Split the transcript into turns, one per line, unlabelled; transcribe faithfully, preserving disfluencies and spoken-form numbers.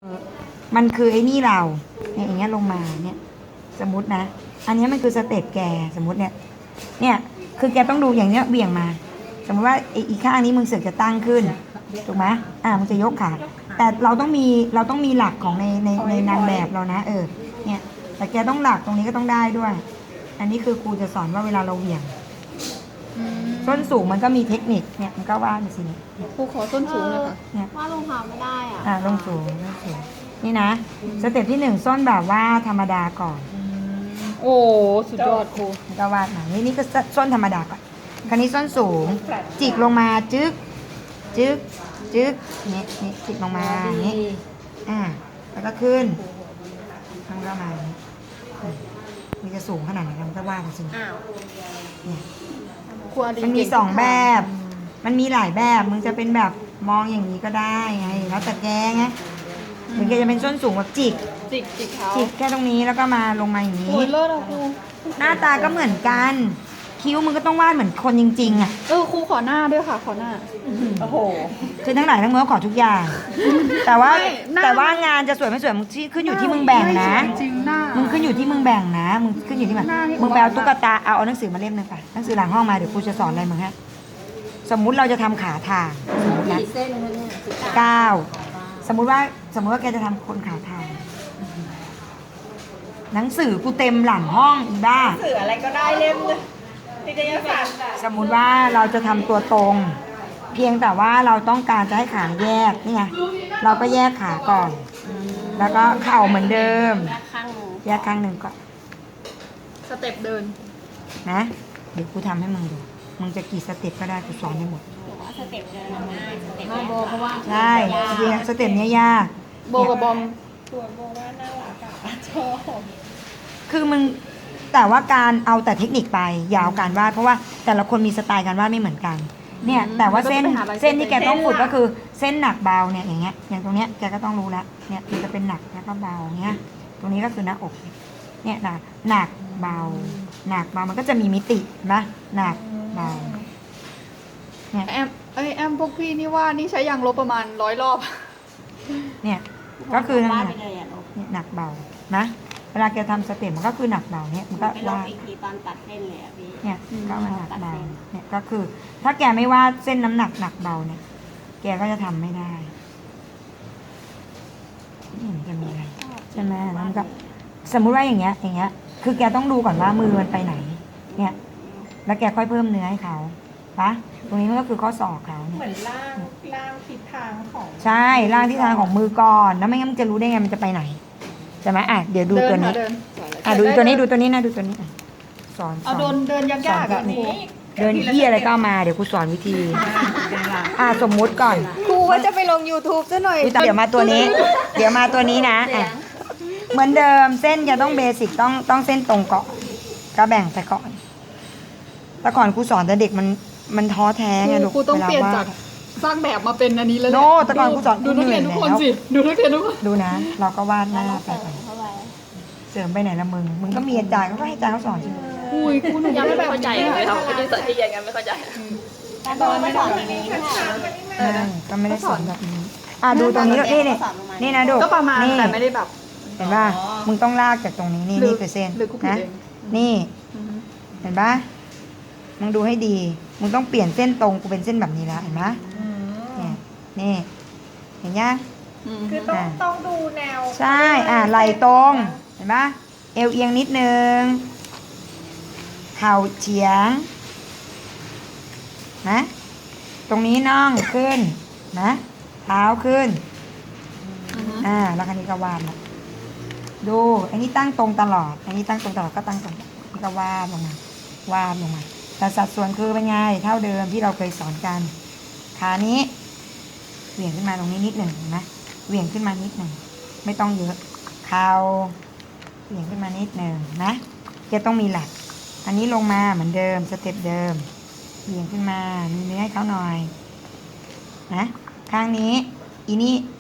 มันคือไอ้นี่เราเนี่ยอย่างเงี้ยลงมาเนี่ยสมมตินะอันนี้มันคือสเต็ปแกสมมติเนี่ยเนี่ยคือแกต้องดูอย่างเนี้ยเบี่ยงมาสมมติว่าอีกข้างนี้มึงเสือกจะตั้งขึ้นถูกไหมอ่ามันจะยกขาแต่เราต้องมีเราต้องมีหลักของในในในนางแบบเรานะเออเนี่ยแต่แกต้องหลักตรงนี้ก็ต้องได้ด้วยอันนี้คือครูจะสอนว่าเวลาเราเหวี่ยงส้นสูงมันก็มีเทคนิคเนี่ยมันก็ว่าไปสิเนี่ย
ครูขอส้นสูงเลยค่ะ
เนี่ย
ว่าลงเท้าไม่ได้อ่ะ
อ่าลงสูงลงสูงนี่นะสเต็ปที่หนึ่งส้นแบบว่าธรรมดาก่อน
โอ้สุดยอดครู
ก็วาดมานี่นี่ก็ส้นธรรมดาก่อนคราวนี้ส้นสูงจิกลงมาจึ๊กจึ๊กจึ๊กนี่นี่จิกลงมาอย่างนี้อ่าแล้วก็ขึ้นทำก็มาอย่างนี้มันจะสูงขนาดไหนเราก็วาดไปสิเนี่ย
ครูอดี
มันมีสองแบบ มันมีหลายแบบ มึงจะเป็นแบบมองอย่างนี้ก็ได้ไง แล้วแต่แกไงหรือแกจะเป็นส้นสูงแบบจิก
จิกจิกเท้า
จิกแค่ตรงนี้แล้วก็มาลงมาอย่างนี้
โอ้ยเลิศอะครู
หน้าตาก็เหมือนกัน คิ้วมึงก็ต้องวาดเหมือนคนจริงๆอ่ะ
เออครูขอหน้าด้วยค่ะขอหน้าโอ้โห
คือทั้งหลายทั้งมวลขอทุกอย่าง แต่ว่า
ไม่หน้า
แต่ว่างานจะสวยไม่สวยมึงที่ขึ้นอยู่ที่มึงแบ่งนะ
จริงหน้า
มึงขึ้นอยู่ที่มึงแบ่งนะ มึงขึ้นอยู่ที่มัน
หน้านี่
มึงไปเอาตุ๊กตา เอาเอาหนังสือมาเล่มหนึงไปหนังสือหลังห้องมาเดี๋ยวครูจะสอนอะไรมึงฮะ สมมุติเราจะทำขาทางสมมตินะ
กี่เส้นคะเนี่ยสิบ
เก้าสมมุติว่าสมมุติว่าแกจะทำคนขาทาง หนังสือกูเต็มหลังห้องอีบ้า
สื่ออะไรก็ได้เล่มเลยนิตยสาร
สมมุติว่าเราจะทำตัวตรง เพียงแต่ว่าเราต้องการจะให้ขาแยกนี่ไงเราก็แยกขาก่อน แล้วก็เข่าเหมือนเดิม
ข้าง
แยกข้างหนึ่งก่อน
สเต็ปเดิน
นะเดี๋ยวกูทำให้มึงดูมึงจะกี่สเต็ปก็ได้กูสอนให้หมด
บอกว่าสเต็ปเดินง่ายสเต็ป
มาโบเพราะว่า
ใช่จริงๆสเต็ปเนี้ยยาก
โบกับบอม
ตัวโบว่าน่ารักอะชอบ
คือมึงแต่ว่าการเอาแต่เทคนิคไปอยาวการวาดเพราะว่าแต่ละคนมีสไตล์การวาดไม่เหมือนกัน เนี่ยแต่ว่าเส้นเส้นที่แกต้องฝึกก็คือเส้นหนักเบาเนี่ยอย่างเงี้ยอย่างตรงเนี้ยแกก็ต้องรู้แล้วเนี่ยมันจะเป็นหนักแล้วก็เบาเงี้ยตรงนี้ก็คือหน้าอกเนี่ยหนักหนักเบาหนักเบามันก็จะมีมิตินะหนักเบาเนี่ย
แอมเอ้ยแอมพวกพี่นี่ว่านี่ใช้ยางลบประมาณร้อยรอบ
เนี่ยก็คือ
วาด
หนั
ไป
ก
เลยอ่ะลูก
เนี่ยหนักเบานะเวลาแกทำสเต็ปมันก็คือหนักเบาเนี่ยมันก็
ไปลอง
วาด
อีกทีตอนตัดเส้นเลยอ่ะพี่
เนี่ยก็มันหนักเบาเนี่ยก็คือ ถ้าแกไม่วาดเส้นน้ำหนักหนักเบาเนี่ย แกก็จะทำไม่ได้นี่มันจะมีอะไรใช่ไหมแล้วมันก็สมมุติว่าอย่างเงี้ยอย่างเงี้ย คือแกต้องดูก่อนว่ามือมันไปไหน เนี่ย แล้วแกค่อยเพิ่มเนื้อให้เขาปะตรงนี้มันก็คือข้อศอกเขาเนี่ย
เหมือนร่างร่างทิศทางของ
ใช่ร่างที่ทางของมือก่อนแล้วไม่งั้นมันจะรู้ได้ไงมันจะไปไหนใช่ไหมอ่ะเดี๋ยวดู
เดิ
ตัวนี้
ค่ะเดิน
อ่ะดูตัวนี้ดูตัวนี้นะดูตัวนี้อ่ะสอนส
เอา
อน
โดนเดินยากๆอ่ะครู
เดินที่อะไรก็เอามาเดี๋ยวครูสอนวิธี อ่ะสมมุติก่อน
ครูว่าจะไปลง YouTube ซะหน่อย
เดี๋ยวมาตัวนี้ เดี๋ยวมาตัวนี้นะอ่ะเหมือนเดิมเส้นจะต้องเบสิกต้องต้องเส้นตรงก่อนก็แบ่งไปก่อนแต่ก่อนครูสอนแต่เด็กมันมันท้อแท้ไงลูก
ครูต้องเปลี่ยน
ว
จากสร้างแบบมาเป็นอันนี้แล้วแหละ
โน่แต่ก่อนครูสอน
ดูนักเรียนทุกคน
เหนื่อยแล้ว
สิดูนักเรียนทุกคน
ดูนะ เราก็วาดหน้าไปก่อน
เข้าไป
เสริมไปไหนละมึงมึงก็มีอาจารย์เขาก็ให้อาจารย์เขาสอนใช่ไหม
อุ้ยครูหนู
ยังไม่
แบบ
เข้าใจเลยครับไม่ได้สอนที่ยังกันไม่เข้าใจ
แต่ตอนไม่สอนอย่างนี้ค่ะ
เออก็ไม่ได้สอนแบบนี้อ่ะดูตรงนี้นี่นี่นี่นะดู
ก็ประมาณ
นี่
แต่ไม่ได้แบบ
เห็นป่ะมึงต้องลากจากตรงนี้นี่
หรือ
นี่คือเส้น
หรือกูผิด
นะ
เอง
นี่
อือฮึ
เห็นป่ะมึงดูให้ดี มึงต้องเปลี่ยนเส้นตรงกูเป็นเส้นแบบนี้แล้วเห็นไหมเนี่ยนี่เห็นยัง
อืม
คือต้องต้องดูแนว
ใช่อ่ะไหล่ตรงเห็นป่ะเอวเอียงนิดนึงเข่าเฉียงนะตรงนี้น่องขึ้นนะเท้าขึ้น
อือฮึ
อ่าแล้วคันนี้ก็วาดนะดูอันนี้ตั้งตรงตลอด อันนี้ตั้งตรงตลอดก็ตั้งตรงนี่ก็วาดลงมาวาดลงมา แต่สัดส่วนคือเป็นไงเท่าเดิมที่เราเคยสอนกันขานี้เหวี่ยงขึ้นมาตรงนี้นิดหนึ่งเห็นไหมเหวี่ยงขึ้นมานิดหนึ่งไม่ต้องเยอะเข่าเหวี่ยงขึ้นมานิดหนึ่งนะจะต้องมีหลัก อันนี้ลงมาเหมือนเดิมสเต็ปเดิมเหวี่ยงขึ้นมามีเนื้อให้เขาหน่อยนะข้างนี้อีนี่